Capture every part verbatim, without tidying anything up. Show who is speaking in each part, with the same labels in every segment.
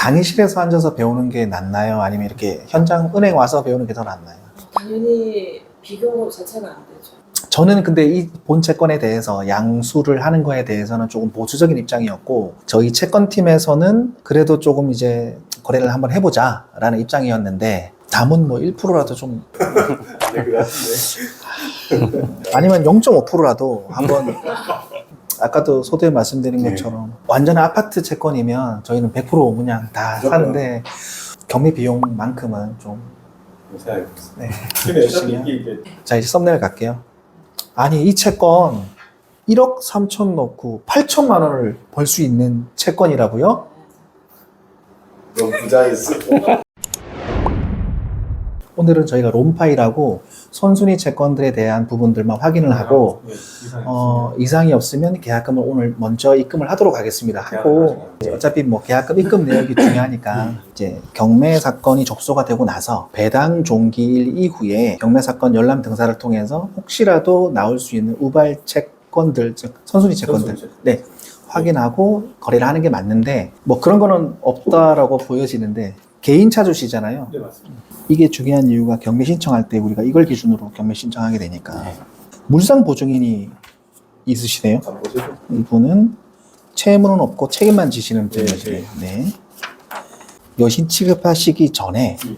Speaker 1: 강의실에서 앉아서 배우는 게 낫나요? 아니면 이렇게 현장 은행 와서 배우는 게 더 낫나요?
Speaker 2: 당연히 비교 자체가 안 되죠.
Speaker 1: 저는 근데 이 본 채권에 대해서 양수를 하는 거에 대해서는 조금 보수적인 입장이었고, 저희 채권팀에서는 그래도 조금 이제 거래를 한번 해보자 라는 입장이었는데, 담은 뭐 일 퍼센트라도 좀
Speaker 3: 네, 그 같은데.
Speaker 1: 아니면 영 점 오 퍼센트라도 한번 아까도 소두에 말씀드린 것처럼 완전 아파트 채권이면 저희는 백 퍼센트 그냥 다 사는데 경매 비용만큼은 좀
Speaker 3: 생각해보겠습니다.
Speaker 1: 네.
Speaker 3: 근데 어차피 이게 이제
Speaker 1: 자 이제 썸네일 갈게요. 아니 이 채권 일억 삼천 넣고 팔천만 원을 벌 수 있는 채권이라고요?
Speaker 3: 너무 부자였어.
Speaker 1: 오늘은 저희가 롬파이라고 선순위 채권들에 대한 부분들만 확인을 하고
Speaker 3: 네, 이상이
Speaker 1: 어, 이상이 없으면 계약금을 오늘 먼저 입금을 하도록 하겠습니다. 하고 이제 어차피 뭐 계약금 입금 내역이 중요하니까 이제 경매 사건이 접수가 되고 나서 배당 종기일 이후에 경매 사건 열람 등사를 통해서 혹시라도 나올 수 있는 우발 채권들, 즉 선순위 채권들,
Speaker 3: 선순위 채권.
Speaker 1: 네 확인하고 거래를 하는 게 맞는데 뭐 그런 거는 없다라고 보여지는데 개인 차주시잖아요.
Speaker 3: 네, 맞습니다.
Speaker 1: 이게 중요한 이유가 경매 신청할 때 우리가 이걸 기준으로 경매 신청하게 되니까
Speaker 3: 네.
Speaker 1: 물상 보증인이 있으시네요.
Speaker 3: 한번 보시죠.
Speaker 1: 이분은 채무는 없고 책임만 지시는
Speaker 3: 네,
Speaker 1: 분이시네요. 네. 여신 취급하시기 전에
Speaker 3: 음.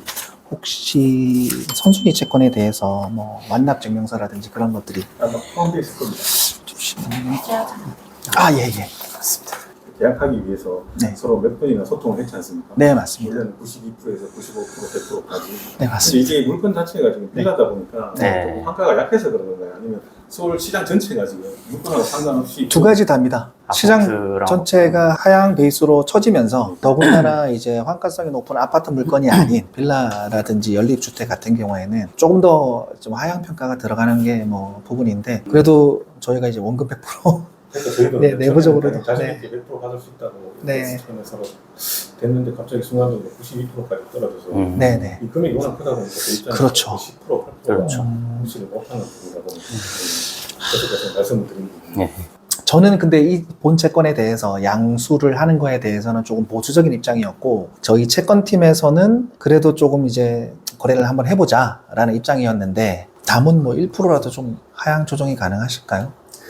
Speaker 1: 혹시 선순위 채권에 대해서 뭐 완납 증명서라든지 그런 것들이
Speaker 3: 아마 포함되어 있을 겁니다.
Speaker 1: 잠시만요. 아, 예, 예. 맞습니다.
Speaker 3: 계약하기 위해서
Speaker 1: 네.
Speaker 3: 서로 몇 번이나 소통을 했지 않습니까?
Speaker 1: 네, 맞습니다.
Speaker 3: 원래는 구십이 퍼센트에서 구십오 퍼센트, 백 퍼센트까지.
Speaker 1: 네,
Speaker 3: 근데
Speaker 1: 맞습니다.
Speaker 3: 이게 물건 자체가 지금 비싸다 보니까
Speaker 4: 네.
Speaker 3: 조금 환가가 약해서 그런 건가요? 아니면 서울 시장 전체가 지금 물건하고 상관없이
Speaker 1: 두 가지 답니다. 시장
Speaker 4: 아파트랑
Speaker 1: 전체가 하향 베이스로 처지면서 더군다나 이제 환가성이 높은 아파트 물건이 아닌 빌라라든지 연립주택 같은 경우에는 조금 더 좀 하향 평가가 들어가는 게 뭐 부분인데 그래도 저희가 이제 원금 백 퍼센트
Speaker 3: 그러니까 저희도
Speaker 1: 네, 내부적으로도.
Speaker 3: 자신
Speaker 1: 네.
Speaker 3: 있게 백 퍼센트 받을 수 있다고
Speaker 1: 네.
Speaker 3: 하면서 됐는데 갑자기 순간적으로 구십이 퍼센트까지 떨어져서
Speaker 4: 음.
Speaker 1: 네네.
Speaker 3: 이 금액이 워낙 크다 보니까 그 입장에서
Speaker 1: 그렇죠.
Speaker 3: 십 퍼센트, 팔 퍼센트가
Speaker 4: 그렇죠.
Speaker 3: 무시를 못하는 부분이라고 계속해서 말씀을 드린 부분.
Speaker 4: 네.
Speaker 1: 저는 근데 이 본 채권에 대해서 양수를 하는 거에 대해서는 조금 보수적인 입장이었고 저희 채권팀에서는 그래도 조금 이제 거래를 한번 해보자 라는 입장이었는데 담은 뭐 일 퍼센트라도 좀 하향 조정이 가능하실까요?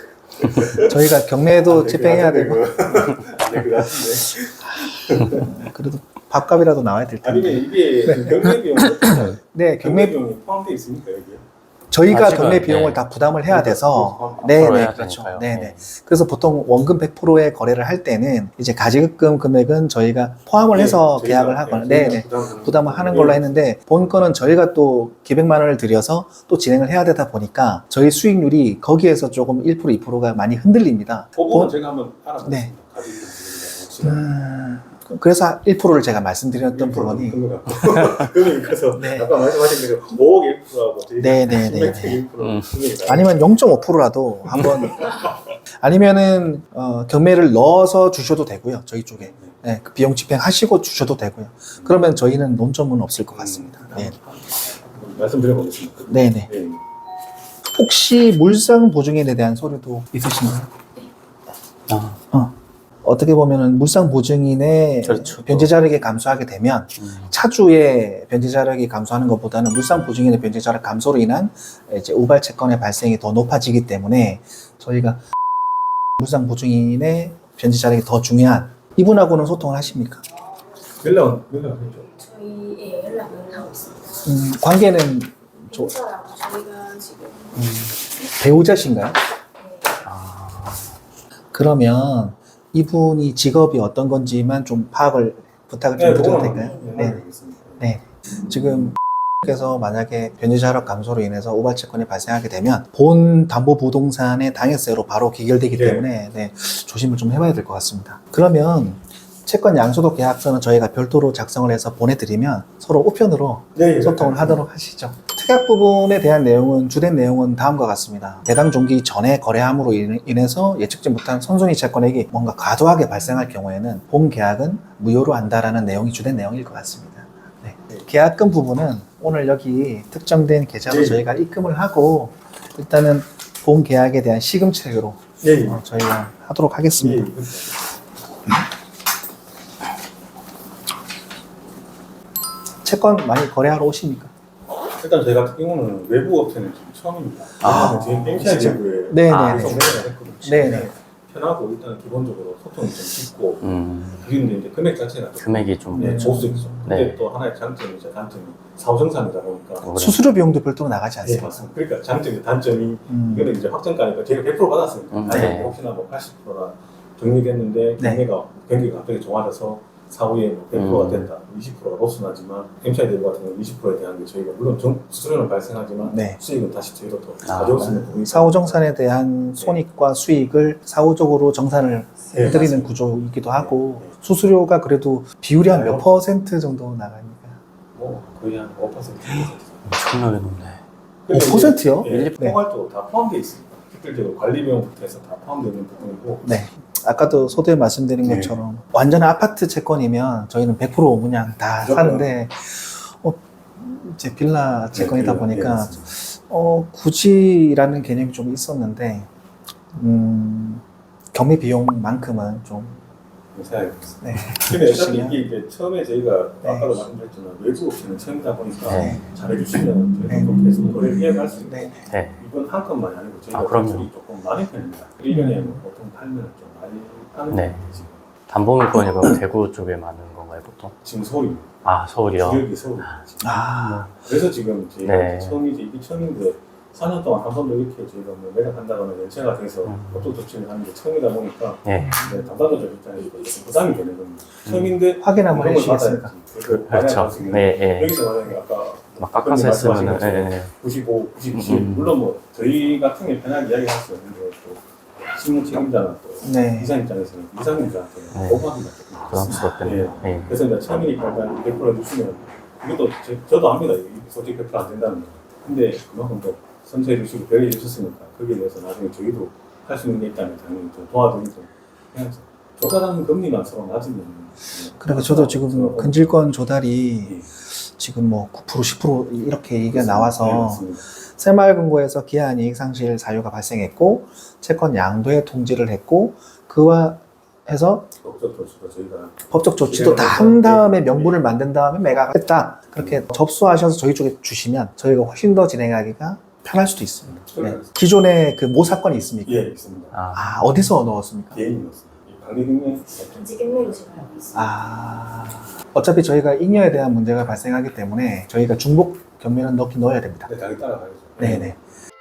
Speaker 1: 저희가 경매도 집행해야 되고
Speaker 3: 네, 그 같은데.
Speaker 1: 그래도 밥값이라도 나와야 될 텐데.
Speaker 3: 아니면 이게 그 경매 비용
Speaker 1: 네,
Speaker 3: 경매
Speaker 1: 경매
Speaker 3: 비용이 포함되어 있습니까 여기에?
Speaker 1: 저희가
Speaker 4: 아직은,
Speaker 1: 경매 비용을
Speaker 4: 네.
Speaker 1: 다 부담을 해야 돼서
Speaker 3: 앞으로
Speaker 1: 네,
Speaker 4: 해야
Speaker 1: 네, 그렇죠.
Speaker 4: 되니까요.
Speaker 1: 네, 네.
Speaker 4: 네.
Speaker 1: 그래서 보통 원금 백 퍼센트의 거래를 할 때는 이제 가지급금 금액은 저희가 포함을 해서
Speaker 3: 네,
Speaker 1: 계약을
Speaker 3: 저희가,
Speaker 1: 하거나
Speaker 3: 네,
Speaker 1: 네, 네.
Speaker 3: 부담하는
Speaker 1: 부담을 하는
Speaker 3: 네.
Speaker 1: 걸로 했는데 본 거는 저희가 또 기백만 원을 들여서 또 진행을 해야 되다 보니까 저희 수익률이 거기에서 조금 일 퍼센트, 이 퍼센트가 많이 흔들립니다.
Speaker 3: 그 부분
Speaker 1: 본-
Speaker 3: 제가 한번 알아보겠습니다.
Speaker 1: 네.
Speaker 3: 가지고 있는
Speaker 1: 음, 그래서 일 퍼센트를 제가 말씀드렸던 부분이
Speaker 3: 금액이 커서
Speaker 1: 네.
Speaker 3: 아까 말씀하신 대로 오억 일 퍼센트하고 저희가
Speaker 1: 네, 네, 네,
Speaker 3: 십맥
Speaker 1: 네.
Speaker 3: 일 퍼센트
Speaker 4: 음.
Speaker 3: 금액이
Speaker 1: 아니면 영 점 오 퍼센트라도 한번 아니면은 어, 경매를 넣어서 주셔도 되고요. 저희 쪽에 네, 그 비용 집행하시고 주셔도 되고요. 그러면 저희는 논점은 없을 것 같습니다. 네,
Speaker 3: 말씀드려보겠습니다.
Speaker 1: 네, 네.
Speaker 3: 네.
Speaker 1: 혹시 물상 보증인에 대한 서류도 있으신가요?
Speaker 4: 아,
Speaker 1: 어. 어떻게 보면은 물상 보증인의
Speaker 4: 그렇죠.
Speaker 1: 변제 자력이 감소하게 되면
Speaker 4: 음.
Speaker 1: 차주의 변제 자력이 감소하는 것보다는 물상 보증인의 변제 자력 감소로 인한 이제 우발 채권의 발생이 더 높아지기 때문에 저희가 물상 보증인의 변제 자력이 더 중요한 이분하고는 소통을 하십니까?
Speaker 3: 연락은 연락은 했죠.
Speaker 2: 저희 예, 연락은 하고 있습니다.
Speaker 1: 음, 관계는 조,
Speaker 2: 저랑 저희가 지금
Speaker 1: 음, 배우자신가요?
Speaker 4: 아,
Speaker 1: 그러면 이분이 직업이 어떤 건지만 좀 파악을 부탁을 좀 드려도 될까요? 네.
Speaker 3: 알겠습니다.
Speaker 1: 네. 지금 께서 만약에 변제자력 감소로 인해서 우발 채권이 발생하게 되면 본 담보 부동산의 당해세로 바로 기결되기
Speaker 3: 네.
Speaker 1: 때문에 네, 조심을 좀 해봐야 될 것 같습니다. 그러면 채권 양수도 계약서는 저희가 별도로 작성을 해서 보내드리면 서로 우편으로
Speaker 3: 네,
Speaker 1: 소통을 하도록 하시죠. 특약 부분에 대한 내용은 주된 내용은 다음과 같습니다. 배당 종기 전에 거래함으로 인해서 예측지 못한 선순위 채권액이 뭔가 과도하게 발생할 경우에는 본 계약은 무효로 한다라는 내용이 주된 내용일 것 같습니다. 네. 계약금 부분은 오늘 여기 특정된 계좌로
Speaker 3: 네.
Speaker 1: 저희가 입금을 하고 일단은 본 계약에 대한 시금책으로
Speaker 3: 예, 예.
Speaker 1: 어, 저희가 하도록
Speaker 3: 예,
Speaker 1: 하겠습니다.
Speaker 3: 예.
Speaker 1: 채권 많이 거래하러 오십니까?
Speaker 3: 일단 저희 같은 경우는 외부 업체는 지금 처음입니다.
Speaker 4: 아,
Speaker 3: 지금 엠시아이
Speaker 1: 진짜?
Speaker 3: 내부에
Speaker 1: 네네네.
Speaker 4: 아,
Speaker 3: 구성 매매를 했거든요.
Speaker 1: 네네.
Speaker 3: 편하고 일단 기본적으로 소통이 좀 쉽고
Speaker 4: 음,
Speaker 3: 그런데 이제 금액 자체가 좀
Speaker 4: 금액이 좀.
Speaker 3: 네, 보수있죠. 근데
Speaker 4: 네.
Speaker 3: 또 하나의 장점이 제 단점이 사후정산이다 보니까
Speaker 4: 그래.
Speaker 1: 수수료 비용도 별도로 나가지
Speaker 3: 네,
Speaker 1: 않습니까?
Speaker 3: 맞습니다. 그러니까 장점이 단점이
Speaker 1: 음.
Speaker 3: 이거는 이제 확정가니까 제가 백 퍼센트 받았으니까
Speaker 4: 음,
Speaker 3: 아니
Speaker 4: 네.
Speaker 3: 혹시나 뭐 팔십 퍼센트나 적립했는데
Speaker 1: 네.
Speaker 3: 경매가 경기가 갑자기 좋아져서 사후에 뭐 백 퍼센트가
Speaker 4: 음. 된다.
Speaker 3: 이십 퍼센트가 로스 나지만 엠시아이 대부 같은 경우는 이십 퍼센트에 대한 게 저희가 물론 정, 수수료는 발생하지만
Speaker 1: 네.
Speaker 3: 수익은 다시 저희도 더
Speaker 4: 아,
Speaker 3: 가져올 수 있는 부분이
Speaker 1: 사후정산에 대한 손익과 수익을 사후적으로 정산을
Speaker 3: 네,
Speaker 1: 해드리는
Speaker 3: 맞습니다.
Speaker 1: 구조이기도 하고
Speaker 3: 네, 네.
Speaker 1: 수수료가 그래도 비율이 한 몇
Speaker 3: 네.
Speaker 1: 퍼센트 정도 나가니까
Speaker 3: 뭐 거의 한 오 퍼센트
Speaker 4: 엄청나게 높네.
Speaker 1: 오 퍼센트요?
Speaker 3: 예,
Speaker 1: 네.
Speaker 3: 포괄도 다 포함되어 있습니다. 특별적으로 관리 비용부터 해서 다 포함되어 있는 부분이고
Speaker 1: 네. 아까도 소두에 말씀드린
Speaker 3: 네.
Speaker 1: 것처럼 완전 아파트 채권이면 저희는 백 퍼센트 그냥 다
Speaker 3: 무조건.
Speaker 1: 사는데 어, 이제 빌라 채권이다
Speaker 3: 네,
Speaker 1: 보니까
Speaker 3: 네, 맞습니다.
Speaker 1: 어, 굳이라는 개념이 좀 있었는데 음, 경매 비용만큼은 좀
Speaker 3: 생각해보겠습니다.
Speaker 1: 네.
Speaker 3: 근데 어차피
Speaker 1: 주시면.
Speaker 3: 이게 이제 처음에 저희가
Speaker 1: 네.
Speaker 3: 아까도 말씀드렸지만 외부 업체는 처음이다 보니까
Speaker 4: 네.
Speaker 3: 잘해주시면
Speaker 1: 네.
Speaker 3: 저희도 계속 거래를 이어갈 수 있고
Speaker 1: 네.
Speaker 4: 네.
Speaker 3: 이건 한 건만이 아니고 저희가
Speaker 4: 아, 그럼요.
Speaker 3: 대출이 조금 많은 편입니다. 일 년에 뭐 보통 팔면 좀 많이 하는
Speaker 4: 네.
Speaker 3: 편이에요. 지금.
Speaker 4: 담보물건이 그럼 대구 쪽에 많은 건가요, 보통?
Speaker 3: 지금 서울입니다.
Speaker 4: 아, 서울이요?
Speaker 3: 지역이 서울입니다. 지금.
Speaker 1: 아,
Speaker 3: 그래서 지금 저희가
Speaker 4: 네.
Speaker 3: 처음이지 이게 처음인데 사 년 동안 한 번도 이렇게 저희가 뭐 매각한다거나 연체가 돼서
Speaker 4: 음.
Speaker 3: 어떤 조치를 하는 게 처음이다 보니까
Speaker 4: 네.
Speaker 3: 이제 담당자들 입장에서 좀 부담이 되는 겁니다. 처음인데
Speaker 1: 확인 한번
Speaker 3: 그런 걸
Speaker 1: 해주시겠습니까?
Speaker 3: 받아야지. 그걸
Speaker 4: 그렇죠.
Speaker 3: 받아야 할
Speaker 4: 네, 네.
Speaker 3: 여기서 만약에 아까
Speaker 4: 막 깎아서 했으면은, 네, 네.
Speaker 3: 구십오, 구십칠
Speaker 4: 음.
Speaker 3: 물론 뭐 저희 같은 게 편하게 이야기할 수 있는데 또 신문 책임자나 또
Speaker 1: 네.
Speaker 3: 이사 입장에서는 이사님들한테
Speaker 4: 네.
Speaker 3: 오버하기가 조금 그렇습니다.
Speaker 4: 부담스럽겠네요. 네.
Speaker 3: 그래서 이제 처음이니까 일단 백 퍼센트 해주시면 이것도 제, 저도 압니다. 이게 솔직히 백 퍼센트 안 된다는 거. 근데 그만큼 또 선처해 주시고 배려해 주셨으니까 거기에 대해서 나중에 저희도 할 수 있는 게 있다면 당연히 좀 도와드리고 그냥 조달하는 금리만 서로 낮으면
Speaker 1: 그러니까 저도 지금
Speaker 3: 서로
Speaker 1: 근질권 조달이
Speaker 3: 예.
Speaker 1: 지금 뭐 구 퍼센트, 십 퍼센트 이렇게 얘기가
Speaker 3: 네,
Speaker 1: 나와서
Speaker 3: 맞습니다.
Speaker 1: 새마을금고에서 기한 이익 상실 사유가 발생했고 채권 양도에 통지를 했고 그와 해서
Speaker 3: 법적 조치도 저희가
Speaker 1: 법적 조치도 다 한 다음에 명분을 만든 다음에 매각을 했다. 그렇게 접수하셔서 저희 쪽에 주시면 저희가 훨씬 더 진행하기가 편할 수도 있습니다. 네. 기존에 그 모사건이 있습니까?
Speaker 3: 예 있습니다.
Speaker 4: 아,
Speaker 1: 아, 어디서 넣었습니까?
Speaker 3: 개인이었습니다. 관리금융
Speaker 2: 단지 갱매로 지금 알고 있습니다.
Speaker 1: 아, 어차피 저희가 잉여에 대한 문제가 발생하기 때문에 저희가 중복 경매는 넣긴 넣어야 됩니다.
Speaker 3: 네, 당연히 따라가야죠.
Speaker 1: 네네.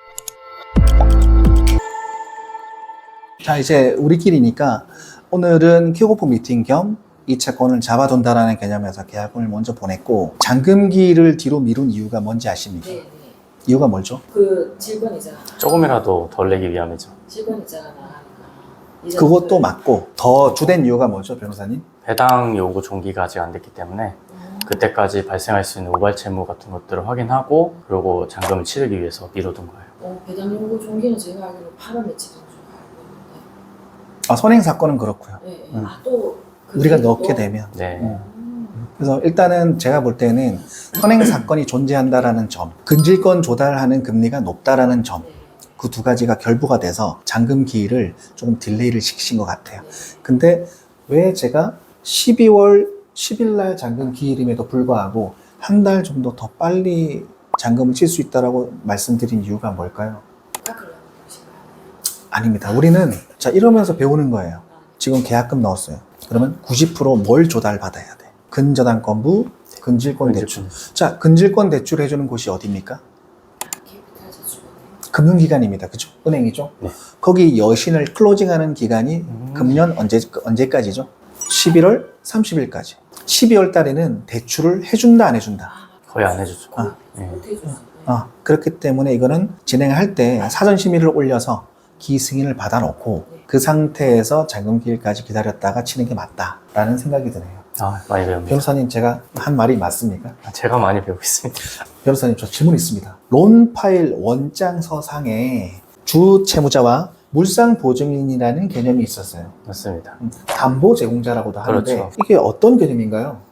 Speaker 1: 자, 이제 우리끼리니까 오늘은 킥오프 미팅 겸 이 채권을 잡아둔다라는 개념에서 계약금을 먼저 보냈고 잔금기를 뒤로 미룬 이유가 뭔지 아십니까?
Speaker 2: 네, 네.
Speaker 1: 이유가 뭐죠?
Speaker 2: 그 질권이자
Speaker 4: 조금이라도 덜 내기 위함이죠.
Speaker 2: 질권이자가 나가니까 이자
Speaker 1: 그것도
Speaker 2: 그-
Speaker 1: 맞고 더 주된 이유가 뭐죠, 변호사님?
Speaker 4: 배당 요구 종기가 아직 안 됐기 때문에
Speaker 2: 음.
Speaker 4: 그때까지 발생할 수 있는 우발 채무 같은 것들을 확인하고 그리고 잔금을 치르기 위해서 미뤄둔 거예요.
Speaker 2: 어, 배당 요구 종기는 제가 알기로 팔월 며칠 정도 알고
Speaker 1: 아, 선행 사건은 그렇고요.
Speaker 2: 있는데. 네,
Speaker 1: 음.
Speaker 2: 아, 또 그
Speaker 1: 우리가
Speaker 2: 뒤에도
Speaker 1: 넣게
Speaker 2: 또-
Speaker 1: 되면.
Speaker 4: 네.
Speaker 1: 음.
Speaker 2: 음.
Speaker 1: 그래서 일단은 제가 볼 때는 선행 사건이 존재한다라는 점, 근질권 조달하는 금리가 높다라는 점,
Speaker 2: 네.
Speaker 1: 그 두 가지가 결부가 돼서 잔금 기일을 조금 딜레이를 시키신 것 같아요.
Speaker 2: 네.
Speaker 1: 근데 왜 제가 십이월 십일 날 잔금 기일임에도 불구하고 한 달 정도 더 빨리 잔금을 칠 수 있다라고 말씀드린 이유가 뭘까요?
Speaker 2: 깎으려는 것인가요?
Speaker 1: 아닙니다. 우리는 자 이러면서 배우는 거예요. 지금 계약금 넣었어요. 그러면 구십 퍼센트 뭘 조달받아야 돼? 근저당권부, 근질권 대출. 자, 근질권 대출 해주는 곳이 어디입니까?
Speaker 2: 캐피탈 저축은행.
Speaker 1: 금융기관입니다. 그죠? 은행이죠?
Speaker 4: 네.
Speaker 1: 거기 여신을 클로징하는 기간이
Speaker 4: 음.
Speaker 1: 금년 언제, 언제까지죠? 십일월 삼십일까지. 십이월 달에는 대출을 해준다, 안 해준다?
Speaker 4: 거의 안 해주죠.
Speaker 1: 아.
Speaker 4: 네.
Speaker 2: 못 해줬어요.
Speaker 1: 아, 그렇기 때문에 이거는 진행할 때 사전심의를 올려서 기승인을 받아놓고 그 상태에서 잔금기일까지 기다렸다가 치는 게 맞다라는 생각이 드네요.
Speaker 4: 아, 많이 배웁니다.
Speaker 1: 변호사님, 제가 한 말이 맞습니까?
Speaker 4: 제가 많이 배우고 있습니다.
Speaker 1: 변호사님, 저 질문 있습니다. 론 파일 원장서상에 주 채무자와 물상 보증인이라는 개념이 있었어요.
Speaker 4: 맞습니다.
Speaker 1: 음, 담보 제공자라고도 하는데
Speaker 4: 그렇죠.
Speaker 1: 이게 어떤 개념인가요?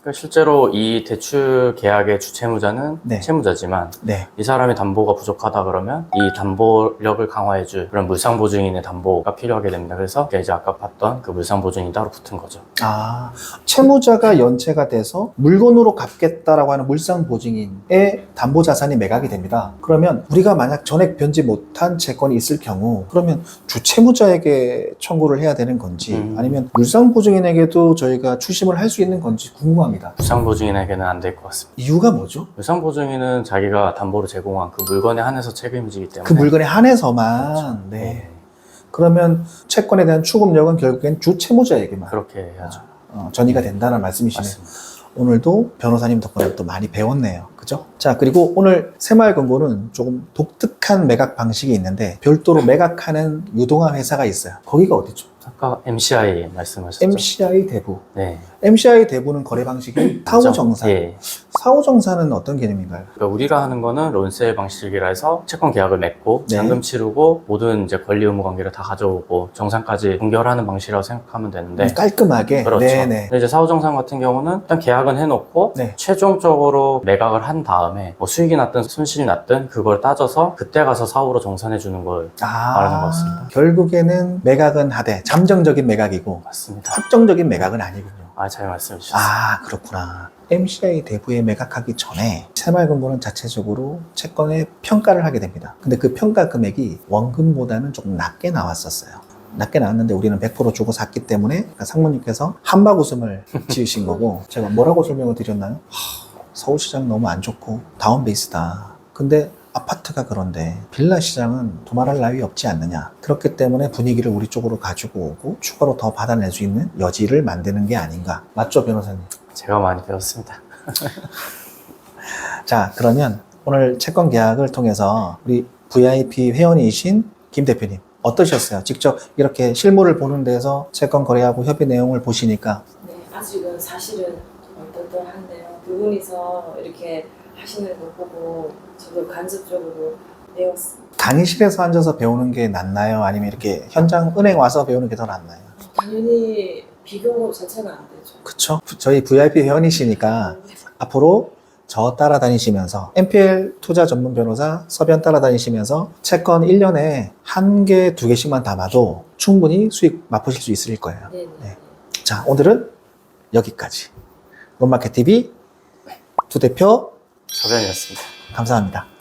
Speaker 4: 그러니까 실제로 이 대출 계약의 주채무자는
Speaker 1: 네.
Speaker 4: 채무자지만
Speaker 1: 네.
Speaker 4: 이 사람이 담보가 부족하다 그러면 이 담보력을 강화해줄 그런 물상보증인의 담보가 필요하게 됩니다. 그래서 이제 아까 봤던 그 물상보증이 따로 붙은 거죠.
Speaker 1: 아, 채무자가 연체가 돼서 물건으로 갚겠다라고 하는 물상보증인의 담보자산이 매각이 됩니다. 그러면 우리가 만약 전액 변지 못한 채권이 있을 경우 그러면 주채무자에게 청구를 해야 되는 건지
Speaker 4: 음.
Speaker 1: 아니면 물상보증인에게도 저희가 추심을 할 수 있는 건지 궁금합니다.
Speaker 4: 물상보증인에게는 안 될 것 같습니다.
Speaker 1: 이유가 뭐죠?
Speaker 4: 물상보증인은 자기가 담보로 제공한 그 물건에 한해서 책임지기 때문에
Speaker 1: 그 물건에 한해서만. 네. 그러면 채권에 대한 추금력은 결국엔 주채무자에게만
Speaker 4: 그렇게 해야죠.
Speaker 1: 어, 전이가 된다는 말씀이시네요.
Speaker 4: 맞습니다.
Speaker 1: 오늘도 변호사님 덕분에 또 많이 배웠네요. 그죠? 자, 그리고 오늘 새마을금고는 조금 독특한 매각 방식이 있는데 별도로 매각하는 유동화 회사가 있어요. 거기가 어디죠?
Speaker 4: 아까 엠시아이 말씀하셨죠?
Speaker 1: 엠시아이 대부.
Speaker 4: 네.
Speaker 1: 엠시아이 대부는 거래 방식이 사후정산.
Speaker 4: 예.
Speaker 1: 사후정산은 어떤 개념인가요?
Speaker 4: 그러니까 우리가 하는 거는 론세일 방식이라 해서 채권 계약을 맺고
Speaker 1: 네.
Speaker 4: 잔금 치르고 모든 이제 권리 의무 관계를 다 가져오고 정산까지 동결하는 방식이라고 생각하면 되는데
Speaker 1: 깔끔하게.
Speaker 4: 그렇죠.
Speaker 1: 네네.
Speaker 4: 근데 이제 사후정산 같은 경우는 일단 계약은 해놓고
Speaker 1: 네.
Speaker 4: 최종적으로 매각을 한 다음에 뭐 수익이 났든 손실이 났든 그걸 따져서 그때 가서 사후로 정산해 주는 걸
Speaker 1: 아,
Speaker 4: 말하는 것 같습니다.
Speaker 1: 결국에는 매각은 하되 잠정적인 매각이고
Speaker 4: 맞습니다.
Speaker 1: 확정적인 매각은 아니군요.
Speaker 4: 아, 잘 말씀해 주셨어요.
Speaker 1: 아, 그렇구나. 엠시아이 대부에 매각하기 전에 새마을금고는 자체적으로 채권의 평가를 하게 됩니다. 근데 그 평가 금액이 원금보다는 조금 낮게 나왔었어요. 낮게 나왔는데 우리는 백 퍼센트 주고 샀기 때문에 상무님께서 한박 웃음을 지으신 거고 제가 뭐라고 설명을 드렸나요? 하, 서울시장 너무 안 좋고 다운베이스다. 근데 아파트가 그런데 빌라 시장은 도말할 나위 없지 않느냐. 그렇기 때문에 분위기를 우리 쪽으로 가지고 오고 추가로 더 받아낼 수 있는 여지를 만드는 게 아닌가. 맞죠, 변호사님?
Speaker 4: 제가 많이 배웠습니다.
Speaker 1: 자, 그러면 오늘 채권 계약을 통해서 우리 브이아이피 회원이신 김 대표님 어떠셨어요? 직접 이렇게 실물을 보는 데서 채권 거래하고 협의 내용을 보시니까.
Speaker 2: 네, 아직은 사실은 좀 얼떨떨한데요. 두 분이서 이렇게 하시는 거 보고 저도 간접적으로 배웠습니다.
Speaker 1: 강의실에서 앉아서 배우는 게 낫나요? 아니면 이렇게 현장 은행 와서 배우는 게 더 낫나요?
Speaker 2: 당연히 비교 자체가 안 되죠.
Speaker 1: 그쵸? 저희 브이아이피 회원이시니까 앞으로 저 따라다니시면서 엠피엘 투자 전문 변호사 서변 따라다니시면서 채권 일 년에 한 개, 두 개씩만 담아도 충분히 수익 맛보실 수 있을 거예요.
Speaker 2: 네네.
Speaker 1: 네. 자, 오늘은 여기까지. 론마켓티비 두 대표
Speaker 4: 서변이었습니다.
Speaker 1: 감사합니다.